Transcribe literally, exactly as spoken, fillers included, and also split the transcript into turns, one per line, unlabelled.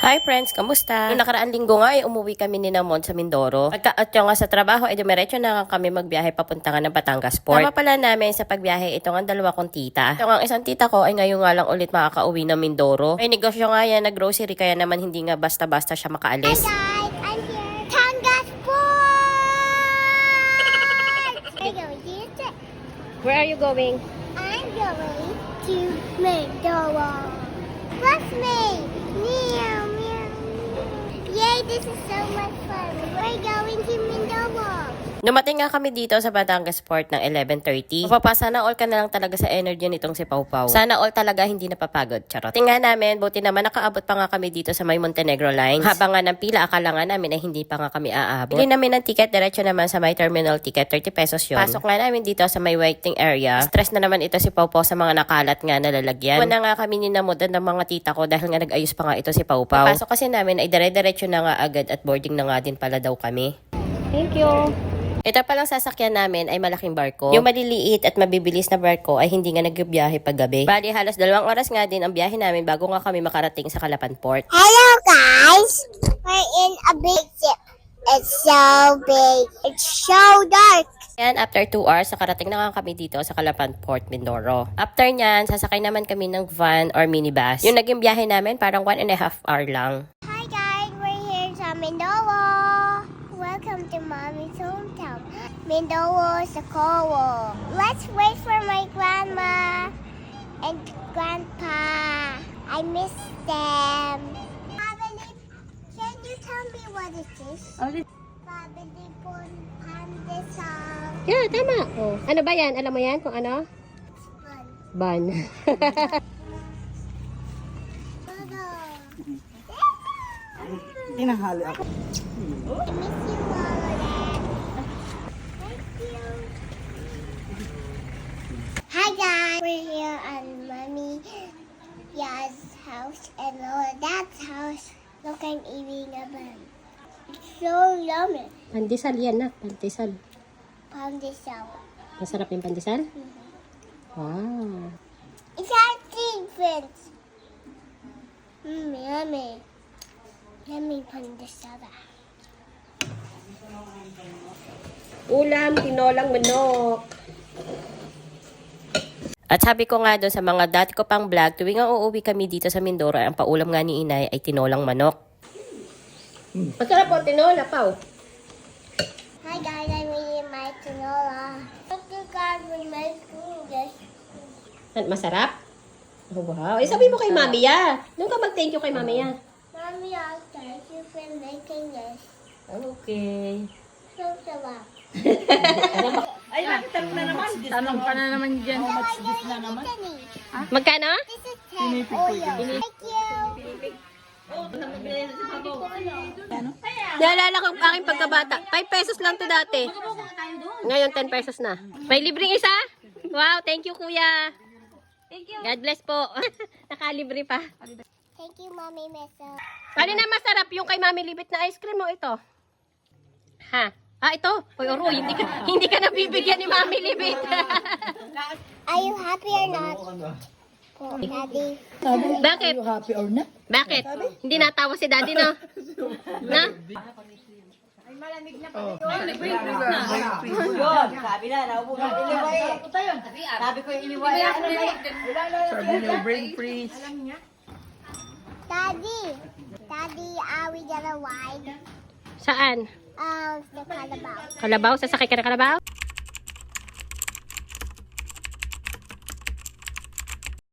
Hi friends, kamusta? Noong nakaraang linggo nga ay umuwi kami ni Namon sa Mindoro. Pagka-at nga sa trabaho ay dumiretso na nga kami magbiyahe papunta nga ng Batangas Port. Tama pala namin sa pagbiyahe ito nga dalawa kong tita. Ito nga isang tita ko ay ngayon nga lang ulit makakauwi ng Mindoro. May negosyo nga yan na grocery kaya naman hindi nga basta-basta siya makaalis.
Hi guys, I'm here. Batangas Port! I go this.
Where are you going?
I'm going to Mindoro. Bless me! Meow, meow, meow. Yay, this is so much fun. We're going to Mindoro.
Dumating nga kami dito sa Batangas Port ng eleven thirty. Mapapasa na all ka na lang talaga sa energy nitong si Pau Pau. Sana all talaga hindi napapagod. Charot. Tingnan namin, buti naman nakaabot pa nga kami dito sa may Montenegro Lines. Habang nga ng pila, akala nga namin ay hindi pa nga kami aabot. Bili namin ng ticket, diretso naman sa may terminal ticket, thirty pesos yun. Pasok nga namin dito sa may waiting area. Stress na naman ito si Pau Pau sa mga nakalat nga na lalagyan. Una nga kami ninamudan ng mga tita ko dahil nga nag-ayos pa nga ito si Pau Pau. Pasok kasi namin ay dire-diretso na nga agad at boarding na nga din pala daw kami. Thank you. Ito palang sasakyan namin ay malaking barko. Yung maliliit at mabibilis na barko ay hindi nga nagbibiyahe pag gabi. Bali, halos dalawang oras nga din ang biyahe namin bago nga kami makarating sa Calapan Port.
Hello guys! We're in a big ship. It's so big. It's so dark.
And after two hours, nakarating na nga kami dito sa Calapan Port, Mindoro. After nyan, sasakay naman kami ng van or minibus. Yung naging biyahe namin, parang one and a half hour lang.
Hi guys, we're here sa Mindoro. Welcome to Mommy's hometown. Mindoro sa Cowo. Let's wait for my grandma and grandpa. I miss them. Pabili, can you tell me what it is? Pabili po pandesal.
Yeah, tama. Oh. Ano ba yan? Alam mo yan kung ano?
Fun.
Ban.
Tinahali ako.
I miss you, Lola. Thank you. Hi guys, we're here at Mommy Ya's house and Lola Dad's house. Look, I'm eating a bun. It's so yummy.
Pandesal yan na. Pandesal.
Pandesal.
Masarap yung pandesal? Wow.
It's our tea, friends. Mmm, yummy. Yummy pandesal.
Ulam, tinolang manok. At sabi ko nga doon sa mga dati ko pang vlog, tuwing nga uuwi kami dito sa Mindoro, ang paulam nga ni inay ay tinolang manok. Hmm. Masarap po, tinola, Pau.
Hi guys, I'm eating my tinola. Thank you guys for making this.
Masarap? Oh, wow. Eh, sabi mo kay Mami ya. Doon ka mag-thank you kay Mami ya.
Mommy, I'll thank you for making this.
Okay.
So sarap.
Ay, bakit tanong na naman? Tanong ka na naman dyan. How much this na naman?
Magkano?
This is ten oil. Thank you.
Naalala ko ang aking pagkabata. five pesos lang to dati. Ngayon ten pesos na. May libreng isa? Wow, thank you kuya. Thank you. God bless po. Nakalibre pa.
Thank you, Mommy Mesa.
Ano na masarap yung kay Mami Libit na ice cream mo ito? Ha? Ah, ito. Hoy, Oro, hindi ka, hindi ka nabibigyan ni Mami Libit.
Are you happy or not? Po, Daddy.
Bakit?
You happy or not?
Bakit? Hindi natawa si Daddy, no? Na?
Yun, sabi na, naupo na iniway. Sabi ko yung iniway. Ano ba yan?
Sabi niyo, brain freeze.
Daddy. Daddy, are we gonna ride?
Saan?
Um, the Calabaw.
Kalabaw? Sasakay ka na Kalabaw?